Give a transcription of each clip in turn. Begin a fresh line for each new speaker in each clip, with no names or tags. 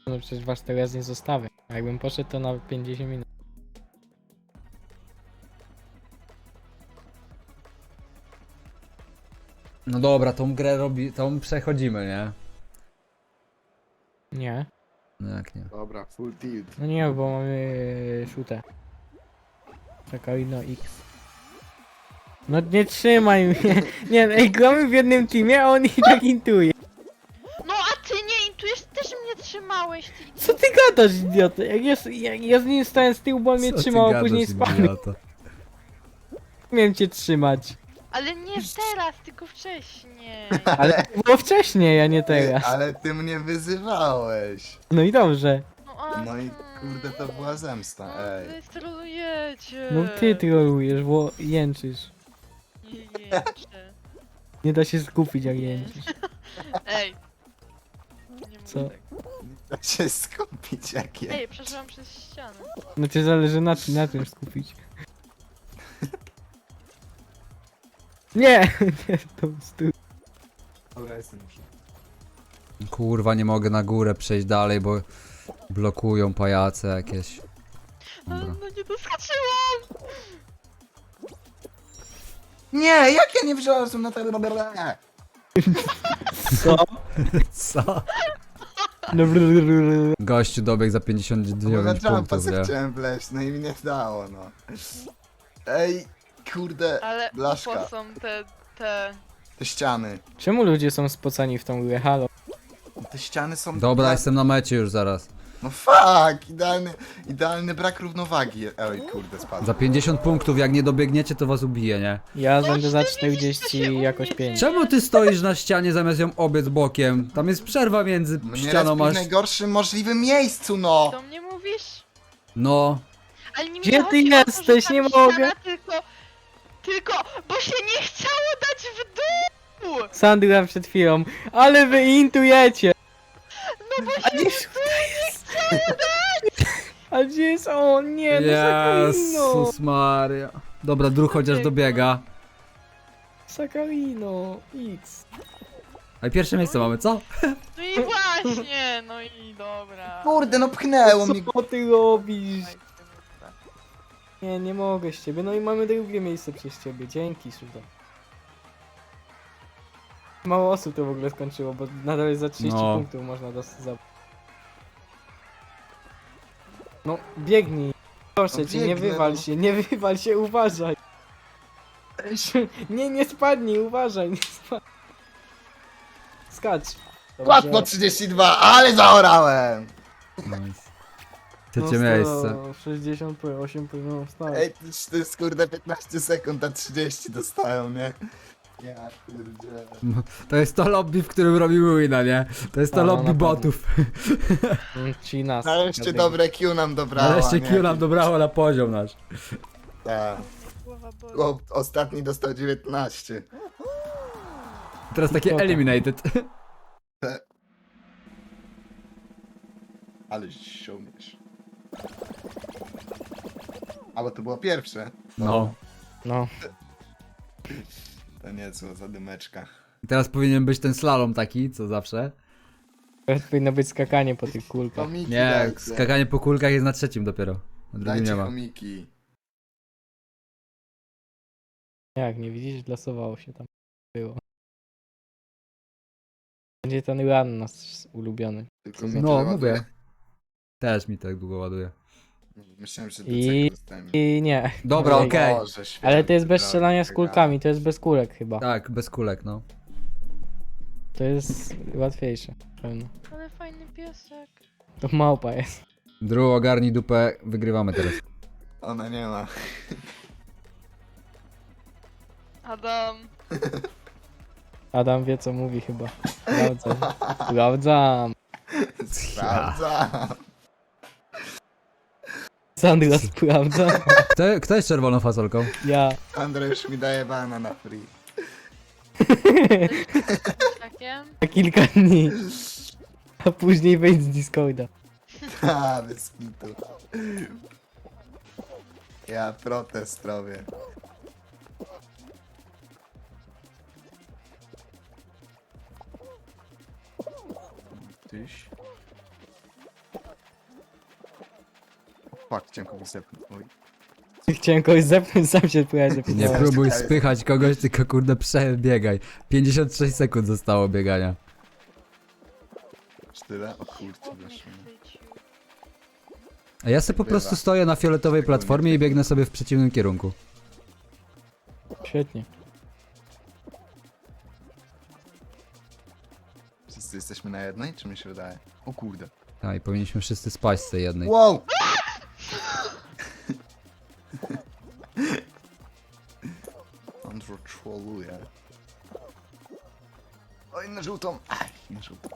No przecież was teraz nie zostawię. A jakbym poszedł to na 50 minut.
No dobra, tą grę tą przechodzimy, nie?
Nie.
No jak nie?
Dobra, full tilt.
No nie, bo mamy shootę. Czekaj, no X. No nie trzymaj mnie. Nie, ej, gramy w jednym teamie, a on i tak intuje.
No a ty nie intujesz, też mnie trzymałeś, ty
Co ty gadasz, idioto? Jak ja z nim stałem z tyłu, bo on mnie
Co ty
trzymał, a
gadasz,
później spadł.
idioto?
Miałem cię trzymać.
Ale nie teraz, tylko wcześniej.
Ale to było wcześniej, a nie teraz.
Ale ty mnie wyzywałeś.
No i dobrze.
No, a,
No i kurde, to była zemsta,
No,
ej.
wy sterujecie.
No ty trolujesz, bo jęczysz.
Nie jęczę.
Nie da się skupić jak jęczysz.
Ej. Nie
Co?
mówię tak.
Da się skupić jak je.
Ej, przeszłam przez ścianę.
No cię zależy na tym skupić. Nie! Nie, to stój.
Dobra, jestem już.
Kurwa, nie mogę na górę przejść dalej, bo blokują pajace jakieś.
No,
Dobra.
no nie doskoczyłam!
Nie, jak ja nie wziąłem na tego dobra.
Co?
Co?
No,
Gościu dobiegł za
Bo na
59
jumpa
punktów,
se
nie?
chciałem wleźć, no i mi nie dało, no. Ej, kurde,
Ale
blaszka.
po są te...
Te ściany.
Czemu ludzie są spocani w tą grę? Halo?
Te ściany są...
Dobra, jestem na mecie już zaraz.
No fuck, idealny brak równowagi. Oj, kurde, spadł.
Za 50 punktów, jak nie dobiegniecie, to was ubije, nie?
Ja
No,
będę za
ty nie widzisz, co się
40
u
jakoś
mnie
5.
Czemu ty stoisz na ścianie zamiast ją obiec bokiem? Tam jest przerwa między
Mnie
ścianą,
respi w
masz...
najgorszym możliwym miejscu, no!
Do mnie mówisz?
No.
Ale nie
Gdzie
mi
ty
chodzi o to, że
jesteś?
tam
Nie
ściana,
mogę.
Tylko, bo się nie chciało dać w dół!
Sandra przed chwilą. Ale wy intujecie!
No bo
A
się
gdzie jest? A gdzie jest on? Nie, no Sakarino!
Jezus Maria. Dobra, druh chociaż dobiega.
Sakarino, X.
A pierwsze miejsce mamy, co?
No i właśnie, no i dobra.
Kurde, no pchnęło mnie.
Co ty robisz? Nie, nie mogę z ciebie. No i mamy drugie miejsce przez ciebie. Dzięki, Szuda. Mało osób to w ogóle skończyło, bo nadal jest za 30
No.
punktów można za... No, biegnij. Proszę
No
cię, nie
biegnę,
wywal
no.
się, nie wywal się, uważaj. Nie, nie spadnij, uważaj, nie spadnij. Skacz.
Kład po 32, ale zaorałem!
Nice. Trzecie miejsce.
60 p 8 p no stary.
Ej, to jest kurde 15 sekund, a 30 dostają, nie? Ja pierdzielę.
To jest to lobby, w którym robimy wina, nie? To jest to
A, no,
lobby
na pewno.
botów.
Ci nas.
Nareszcie dobre Q nam dobrała,
Nareszcie
nie?
Q nam dobrało na poziom nasz.
Tak.
Głowa boli.
O, ostatni dostał 19.
Teraz takie
Idiota.
eliminated.
Ale ściągniesz. A bo to było pierwsze.
No.
No.
To niezła zadymeczka.
Teraz powinien być ten slalom taki, co zawsze.
Teraz powinno być skakanie po tych kulkach.
Chomiki
Nie,
dajcie.
skakanie po kulkach jest na trzecim dopiero. Na drugim
Dajcie
nie ma.
chomiki.
Jak, nie widzisz? Losowało się tam. Było. Będzie ten run nasz ulubiony.
Tylko
No,
mi
No,
tyle
mówię.
ładuje.
Też mi tak długo ładuje.
Myślałem, że
I-
do dostałem.
I nie.
Dobra,
Ej,
okej.
Boże święty,
Ale to jest bez
drogi,
strzelania z
tak
kulkami, to jest bez kulek chyba.
Tak, bez kulek, no.
To jest łatwiejsze. Pewno.
Ale fajny piesek.
To małpa jest.
Drew, ogarnij dupę, wygrywamy teraz.
Ona nie ma.
Adam.
Adam wie co mówi chyba. Sprawdzam. Sprawdzam.
Sprawdzam.
Sandra sprawdza.
Kto jest czerwoną fasolką?
Ja.
Andrzej już mi daje bana na free.
Takiem?
Na kilka dni. A później wejdź z Discorda.
Ha, bez kitu. Ja protest robię. Tyś. fuck, chciałem kogoś zepchnąć. Oj.
Chciałem kogoś zepchnąć, sam się próbowałem
Nie
zepchnąć.
próbuj spychać kogoś, tylko kurde przebiegaj. 56 sekund zostało biegania.
Aż tyle? O kurczę,
Chłop mnie
weszło.
chwycił.
A ja sobie po prostu stoję na fioletowej platformie i biegnę sobie w przeciwnym kierunku.
Świetnie.
Wszyscy jesteśmy na jednej, czy mi się wydaje? O kurde.
Tak, i powinniśmy wszyscy spaść z tej jednej.
Wow! Andrew trolluje. Oj, na żółtą! Aj, na żółtą.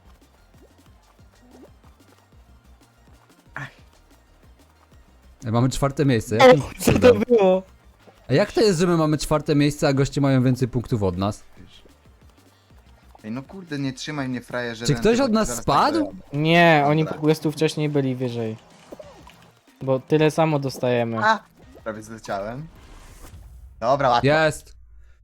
Mamy 4 miejsce.
O,
Jakim
co to
cudem?
było?
A jak to jest, że my mamy 4 miejsce, a goście mają więcej punktów od nas?
Ej, no kurde, nie trzymaj mnie frajerze.
Czy ktoś od nas spadł?
Nie, oni
Dobra.
po prostu wcześniej byli wyżej. Bo tyle samo dostajemy.
A! Prawie zleciałem. Dobra, łatwo.
Jest!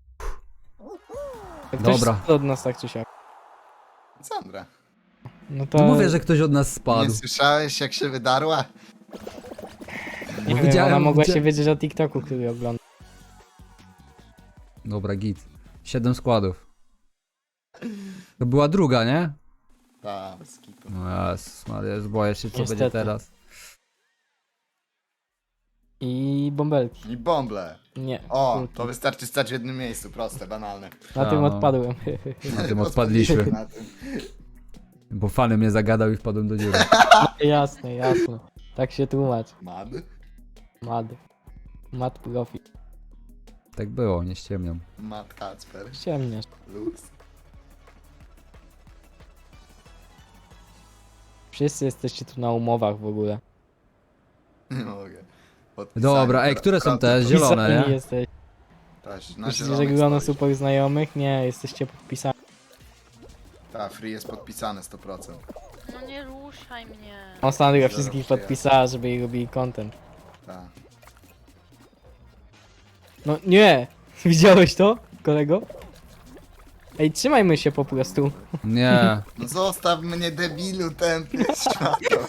Ktoś
dobra.
spadł od nas tak czy siak.
Sandra.
No to
No mówię, że ktoś od nas
Nie
spadł.
słyszałeś, jak się wydarła?
nie wiem,
widziałem,
ona mogła
gdzie-
się wiedzieć o TikToku, który ogląda.
Dobra, git. 7 składów. To była druga, nie?
Ta, bez kitu.
No Jezus Maria, już boję się, co
Niestety.
będzie teraz.
I bąbelki.
I bąble.
Nie.
O,
kulki.
to wystarczy stać w jednym miejscu, proste, banalne.
Na tym
no.
odpadłem.
Na tym odpadliśmy.
Na tym.
Bo fany mnie zagadał i wpadłem do dziury.
Jasne, jasne. Tak się tłumacz.
Mad?
Mad. Mad profi.
Tak było, nie ściemniam.
Mad Kacper.
Ciemniasz.
Luz.
Wszyscy jesteście tu na umowach w ogóle.
Nie mogę.
Dobra, ej, które są te? Zielone,
Podpisani
nie?
jesteś.
Też, na
Myślicie, że
zielonych
grono
stoisz.
super znajomych? Nie, jesteście podpisani.
Ta, free jest podpisane 100%.
No nie ruszaj mnie.
Ostatnio
Zero
wszystkich
przyjaciół.
podpisała, żeby jej robili content.
Ta.
No nie! Widziałeś to, kolego? Ej, trzymajmy się po prostu.
Nie.
No zostaw mnie, debilu, tępy światło.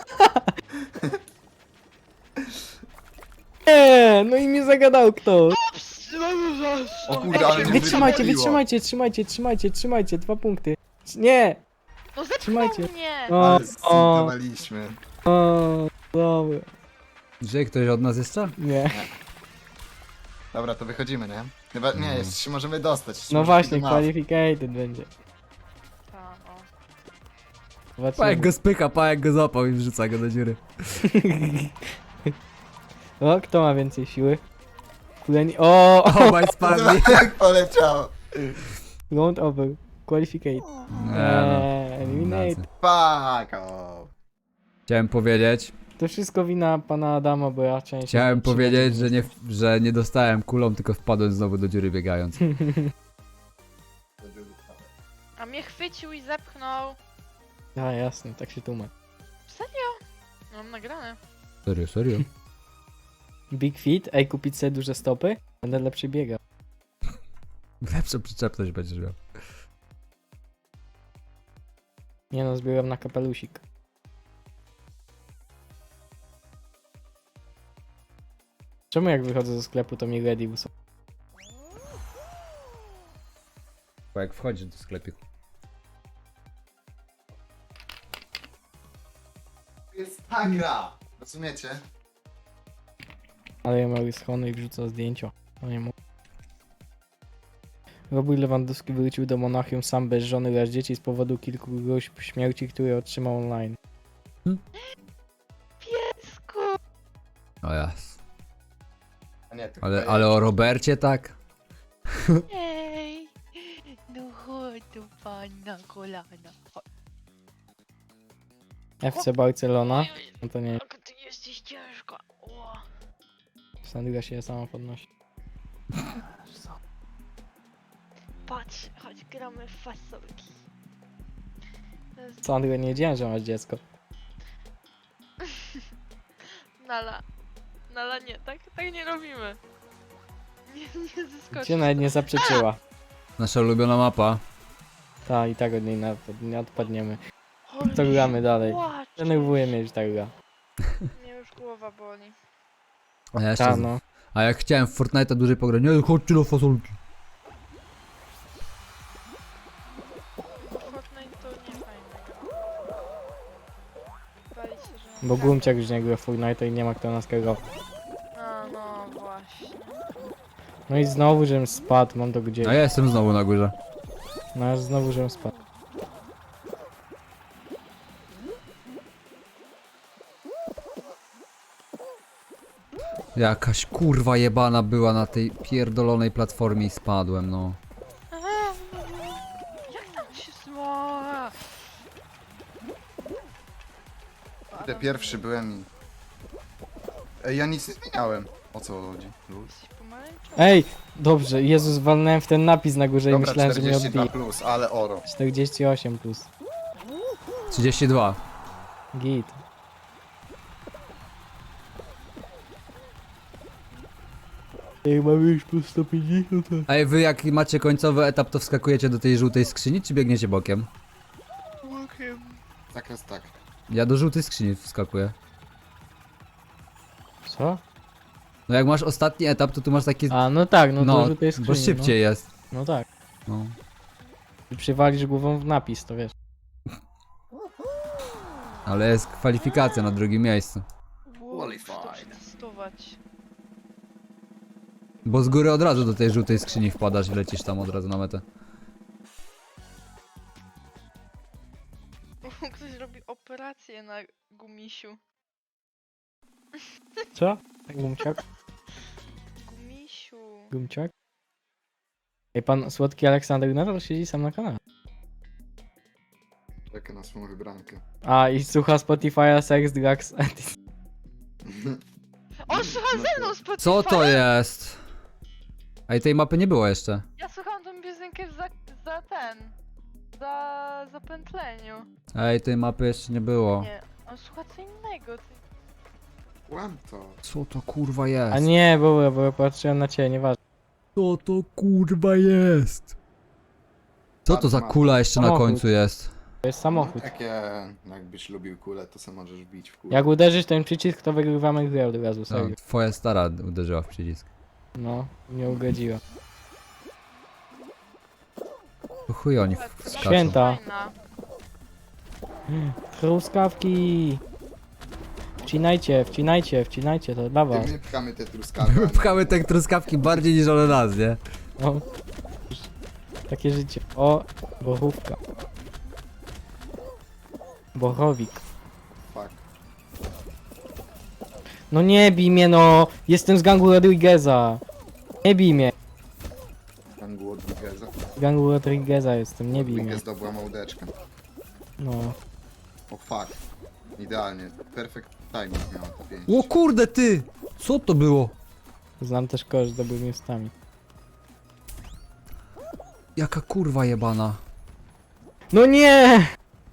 Nie, no i mnie zagadał ktoś.
O kurde, ale mnie
Wytrzymajcie,
wywaliło.
wytrzymajcie, trzymajcie, 2 punkty. Nie!
No zepchnął
Trzymajcie.
mnie.
O,
Ale zintowaliśmy.
dobra.
Żyje ktoś od nas jeszcze?
Nie.
Dobra, to wychodzimy, nie? Chyba, nie, jeszcze się możemy dostać. jeszcze
No
możemy
właśnie,
do nas.
qualificated będzie.
Ta, o.
Pajek
Zobaczymy.
go spycha, Pajek go złapał i wrzuca go do dziury.
O, kto ma więcej siły? Kuleni... O!
Obaj spadli.
Jak poleciało.
Round over. Qualificate.
Nie no.
Eliminate.
Fuck off.
Chciałem powiedzieć,
To wszystko wina pana Adama, bo ja częściej...
chciałem powiedzieć, że nie dostałem kulą, tylko wpadłem znowu do dziury biegając.
A mnie chwycił i zepchnął.
A, jasne, tak się tłumacz.
Serio? Mam nagrane.
Serio, serio?
Big feet, ej, kupić sobie duże stopy? Będę lepszy biegał.
Lepszą przyczepność będziesz miał.
Nie no, zbieram na kapelusik. Czemu jak wychodzę ze sklepu, to mi ready są?
Bo jak wchodzisz do sklepu.
Jest ta gra. Rozumiecie?
Ale ja mały schony i wrzuca zdjęcia. No nie mogę. Robert Lewandowski wrócił do Monachium sam bez żony oraz dzieci z powodu kilku groźb śmierci, które otrzymał online.
Piesku.
O jas.
A nie, to
Ale,
chyba
ale
ja.
o Robercie tak?
Ej. No chodź tu pan na kolana. Chodź.
FC Barcelona? No to nie,
Jak ty jesteś ciężka. O.
Sandra się sama podnosi.
Patrz, chodź gramy w fasolki. To jest
Sandra, nie wiedziałem, że masz dziecko.
Nala. Nala nie, tak nie robimy. Nie zeskoczysz.
Cię nawet nie zaprzeczyła.
Nasza ulubiona mapa.
Ta i tak od niej nie odpadniemy.
Holy
To gramy dalej.
płacz.
Denerwuje mnie już ta gra.
Mnie już głowa głowa boli.
A ja jeszcze...
Ta, no.
A jak chciałem w Fortnite'a dłużej pograć, nie, chodźcie do fasolki.
Fortnite to nie fajne. Bali się, że...
Bo Gumciak już nie gra w Fortnite i nie ma kto nas kierować.
A, no właśnie.
No i znowu, żebym spadł, mam to gdzieś.
A ja jestem znowu na górze.
No aż znowu, żebym spadł.
Jakaś kurwa jebana była na tej pierdolonej platformie i spadłem, no.
Jak tam się zła?
Kurde, pierwszy byłem i... Ej, ja nic nie zmieniałem. O co chodzi? Luz?
Jesteś pomarańczowy.
Ej! Dobrze, Jezus, walnąłem w ten napis na górze i
Dobra,
myślałem, że mnie
42
odbije.
plus, ale oro.
48 plus.
32.
Git. Jak mam już plus 150, to...
Ej, wy jak macie końcowy etap, to wskakujecie do tej żółtej skrzyni, czy biegniecie bokiem?
Łokiem.
Tak jest tak.
Ja do żółtej skrzyni wskakuję.
Co?
No jak masz ostatni etap, to tu masz takie...
A, no tak, no,
no,
to tutaj jest
bo szybciej jest.
No, no tak.
No.
I przywalisz głową w napis, to wiesz.
Ale jest kwalifikacja na drugim miejscu.
Qualified.
Muszę to przetestować.
Bo z góry od razu do tej żółtej skrzyni wpadasz i lecisz tam od razu na metę.
Ktoś robi operację na gumisiu.
Co? Gumciak?
Gumisiu.
Gumciak? Ej, pan słodki Aleksander nadal siedzi sam na kanale.
Czekaj na swoją wybrankę.
A, i słucha Spotify'a Sex, Drugs and...
On słucha ze mną Spotify!
Co to jest? Ej, tej mapy nie było jeszcze.
Ja słucham tą piosenkę za zapętleniu.
Ej, tej mapy jeszcze nie było.
Nie, on słucha co innego. Ty...
Łam to.
Co to kurwa jest?
A nie, bo ja patrzyłem na ciebie, nieważne.
Co to kurwa jest? Co to za kula jeszcze na
Samochód.
końcu jest?
To jest samochód.
Takie, jakbyś lubił kulę, to sam możesz bić w kulę.
Jak uderzysz ten przycisk, to wygrywamy grę od razu,
No,
serio.
twoja stara uderzyła w przycisk.
No, nie ugodziła.
To chuj oni
Słuchaj,
wskaczą.
Święta.
fajna.
Truskawki! Wcinajcie, wcinajcie, wcinajcie, to dla was.
My pchamy te truskawki.
My pchamy te truskawki bardziej niż one nas, nie?
No. Takie życie. O, bochówka. Bochowik.
Fuck.
No nie bij mnie, no! Jestem z gangu Rodrigueza. Nie bij mnie.
Gangu od Rodrigueza.
Z gangu Rodrigueza jestem, nie bij mnie.
Rodriguez dobyła małdeczkę.
No.
O fuck. Idealnie. Perfect timing miała to 5.
O kurde ty! Co to było?
Znam też kogoś z dobrymi ustami.
Jaka kurwa jebana.
No nie!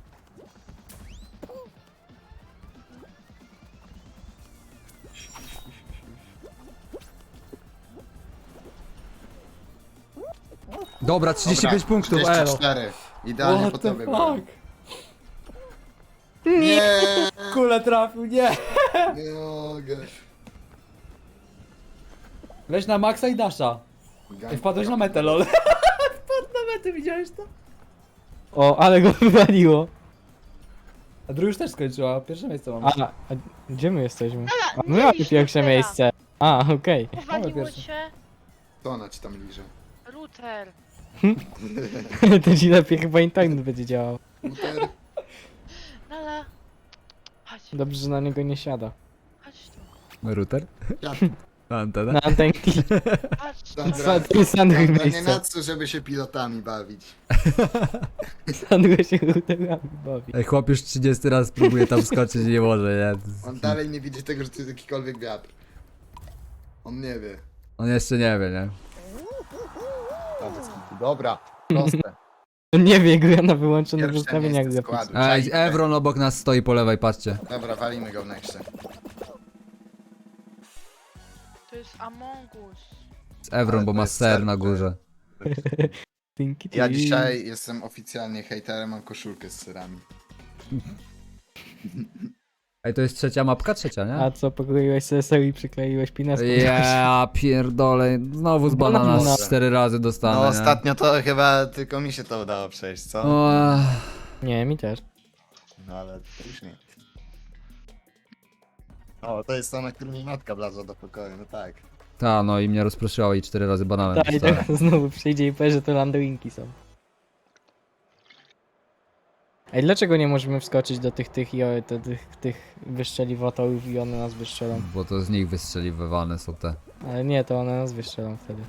Dobra, 35 punktów, elo.
34. Idealnie po tobie byłem.
Nie!
Nie,
Kule trafił, nie!
nie mogę.
Leź na maksa i dasza.
Gang-
Wpadłeś na metę, lol. Wpadł na metę, widziałeś to?
O, ale go wywaliło.
A drugi już też skończyła, pierwsze miejsce mam.
A gdzie my jesteśmy? A
nie
my mamy
idź
pierwsze
teraz.
miejsce. A, okej.
Powaliło
pierwszy.
cię
To ona ci tam liże.
router.
To ci lepiej chyba internet będzie działał.
Router.
Nala. Chodź,
Dobrze, że na niego nie siada.
chodź tu.
Router?
Ja,
Na antenę?
Na antenki.
Chodź.
Sandra,
To jest Sandry
Sandra, nie
miejsce.
na co, żeby się pilotami bawić.
Sandry się routerami bawi.
Ej, chłop już 30 raz próbuje tam skoczyć i nie może, nie?
On dalej nie widzi tego, że to jest jakikolwiek wiatr. On nie wie.
On jeszcze nie wie, nie?
Dobra, proste.
On nie wie, gra na wyłączonych
Pierwsze
ustawieniach
miejsce
graficznych.
składu.
Ej, Evron obok nas stoi po lewej, patrzcie.
Dobra, walimy go w nexcie.
To jest Among Us.
Z Evron,
Ale
bo
to
ma
jest
ser
ser,
na
to
górze.
Tinky
Ja
Tinky.
dzisiaj jestem oficjalnie hejterem, mam koszulkę z syrami.
Ej, to jest trzecia mapka? Trzecia, nie?
A co, pokroiłeś CSL i przykleiłeś pinę?
Ja pierdolę, znowu z banana
Banana.
4 razy dostanę,
No
nie?
ostatnio to chyba tylko mi się to udało przejść, co?
O,
Nie, mi też.
No ale już nie. O, to jest to, na którym mi matka wlazła do pokoju, no tak.
ta, no i mnie rozproszyło i 4 razy bananem
Tak, i
dostałem.
teraz znowu przyjdzie i powie, że to landowinki są. Ej, dlaczego nie możemy wskoczyć do tych tych wyszczeliwotorów i one nas wystrzelą?
Bo to z nich wystrzeliwywane są te.
Ale nie, to one nas wystrzelą wtedy.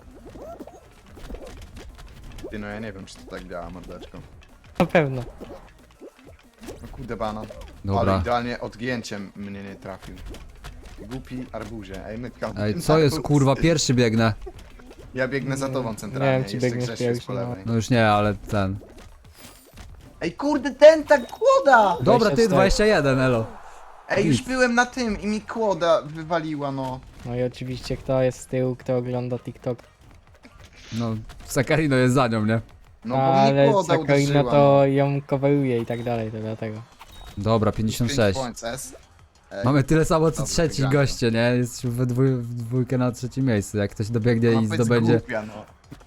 Ty, no ja nie wiem, czy to tak działa, mordeczko.
Na pewno.
No kurde banan. Ale
Dobra.
idealnie odgięciem mnie nie trafił. Głupi arbuzie, ej mytka.
Ej, co jest kurwa, pierwszy biegnę.
Ja biegnę za tobą centralnie,
Nie wiem, czy
jeszcze
biegniesz
Grzesiu jest
pierwszy,
po
no.
lewej.
No już nie, ale ten.
Ej kurde, ten tak kłoda!
Dobra, ty
24.
21, elo.
Ej, już byłem na tym i mi kłoda wywaliła, no.
No i oczywiście kto jest z tyłu, kto ogląda TikTok.
No, Sakarino jest za nią, nie?
No bo
Ale
mnie kłoda
Sakarina
uderzyła.
to ją coveruje i tak dalej, to dlatego.
Dobra,
5
56.
points, S. Ej,
Mamy tyle samo co
Dobra,
trzeci
wygramy.
goście, nie? Jesteśmy w dwójkę na trzecim miejscu. Jak ktoś dobiegnie
ma
i
być
zdobędzie.
głupia, no.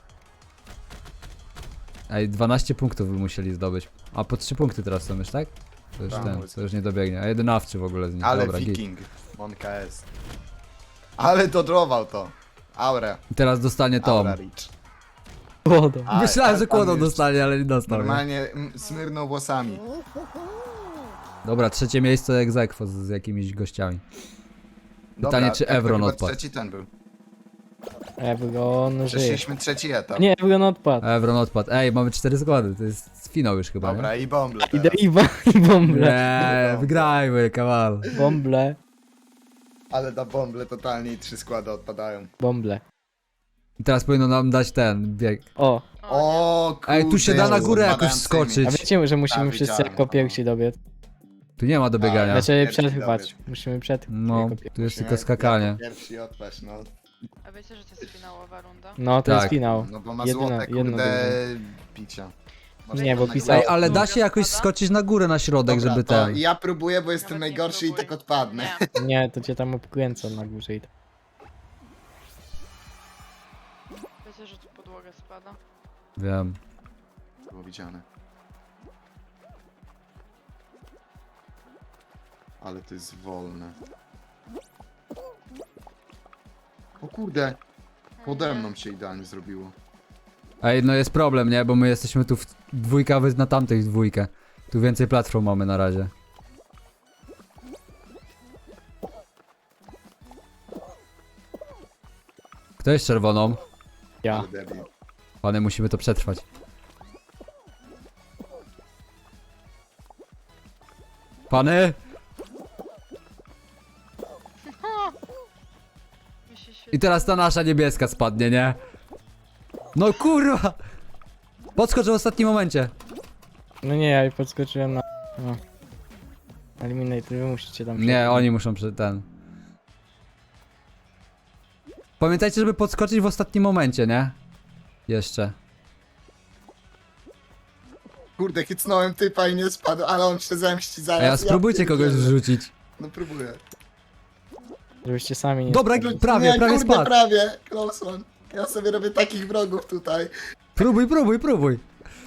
Ej, 12 punktów by musieli zdobyć. A po 3 punkty teraz są już, tak? To już
Tak,
ten,
powiedz.
to już nie dobiegnie. A 11 w ogóle z nich.
Ale
Dobra, git.
Viking, Monka S. Ale dodrował to. Aura.
I teraz dostanie Tom.
Aura Rich.
Kłodą.
A,
Myślałem, że
pan
kłodą
już
dostanie, ale nie dostał. Nie?
Normalnie smyrnął włosami.
Dobra, trzecie miejsce ex aequo z jakimiś gościami. Pytanie, czy
to
Evron
chyba
odpadł.
Trzeci ten był.
Ebron żyje.
Przeszliśmy trzeci etap.
Nie, Ebron odpadł.
Evron odpadł. Ej, mamy 4 składy, to jest finał już chyba,
Dobra, i bąble
Idę
teraz.
i bąble.
nie? Wygrajmy, kawal.
Bąble.
Ale na bąble totalnie i 3 składy odpadają.
Bąble.
I teraz powinno nam dać ten bieg.
O,
O kurde.
Ej, tu się da na górę jakoś
odpadającymi.
skoczyć.
a wiecie, że musimy
Tak,
wszyscy
widziałem.
jako pierwsi dobiec?
Tu nie ma do biegania.
Ale-
Znaczy
pierwsi
przetrwać.
dobiec.
Musimy przetrwać
No,
jako pierwsi.
tu jest
Musimy
tylko skakanie.
jako Pierwsi odpaść, no.
A wiecie, że to jest finałowa runda?
No, to
Tak.
jest finał.
No bo ma
Jedyna-
złote,
jedno
kurde, picia.
Nie, bo
na
pisał-
Ej,
górę.
ale da się jakoś skoczyć na górę na środek,
Dobra,
żeby
to
ten.
ja próbuję, bo jestem
Nawet nie
najgorszy i
próbuj.
tak odpadnę.
Nie.
Nie, to cię tam obkręcą na górze i tak.
Wiecie, że tu podłoga spada?
Wiem.
Było widziane. Ale to jest wolne. O kurde, pode mną się idealnie zrobiło.
Ej, no jest problem, nie? Bo my jesteśmy tu w dwójkę, a wy na tamtej w dwójkę. Tu więcej platform mamy na razie. Kto jest czerwoną?
Ja.
Ale debil.
Panie, musimy to przetrwać. Pany?
Mi się
I
świeci.
teraz ta nasza niebieska spadnie, nie? No kurwa! Podskocz w ostatnim momencie.
No nie, ja podskoczyłem na... No. Eliminate, wy musicie tam...
Nie, oni muszą ten. Pamiętajcie, żeby podskoczyć w ostatnim momencie, nie? Jeszcze.
Kurde, chycnąłem typa i nie spadł, ale on się zemści zaraz.
A ja spróbujcie kogoś
pierdzielę.
wrzucić.
No próbuję.
Żebyście sami nie...
Dobra,
spadli.
prawie,
nie,
prawie
kurde,
spadł.
prawie. Close one. Ja sobie robię takich wrogów tutaj.
Próbuj, próbuj, próbuj.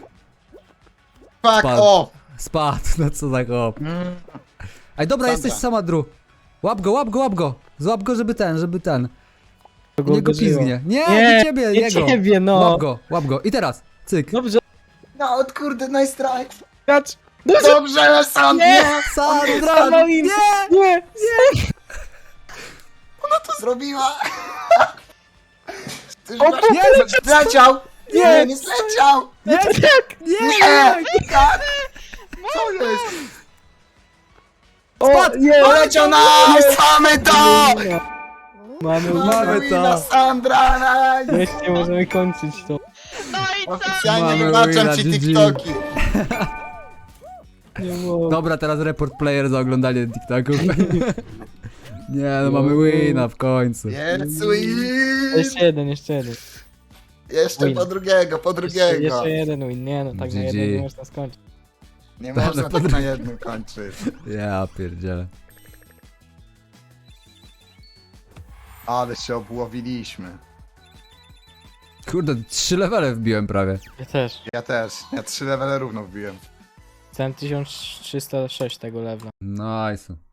Fuck
Spadł.
off!
Spadł, no co za chłop. Ej, dobra,
Sandra.
jesteś sama, Dru. Łap go, łap go, łap go. Złap go, żeby ten.
Kogo
Nie go
uderzyło.
pizgnie. Nie,
Nie,
nie ciebie,
nie
jego.
ciebie, no.
Łap go. I teraz, cyk.
Dobrze,
No, od kurde, nice try.
gracz.
Dobrze, Sand,
Nie!
nie!
Sandra,
Stanowin.
nie!
Nie!
Ona to zrobiła! Ty
O,
nie, zleciał!
Nie.
Nie zleciał!
Nie,
Tak!
nie,
Nie! Tak! Co jest?
O, nie!
Poleciał na mamy to!
Mamy
Mamy
wina,
to.
Sandra, nice!
Wreszcie możemy kończyć to.
No i co?
Oficjalnie
Mamy
wybaczam
wina,
ci
GG.
TikToki.
Nie mogę.
Dobra, teraz report player za oglądanie TikToków. Nie, no mamy wina w końcu.
Jezu i...
Jeszcze jeden, jeszcze jeden.
Jeszcze
Win.
po drugiego, po drugiego.
Jeszcze jeden win, nie no, tak na
GG.
jeden nie można skończyć.
Nie
Tak,
można
no
tak
pod-
na jednym kończyć.
Ja pierdzielę.
Ale się obłowiliśmy.
Kurde, 3 levele wbiłem prawie.
Ja też.
Ja też. Ja 3 levele równo wbiłem.
Ten 1306 tego levela.
Nice.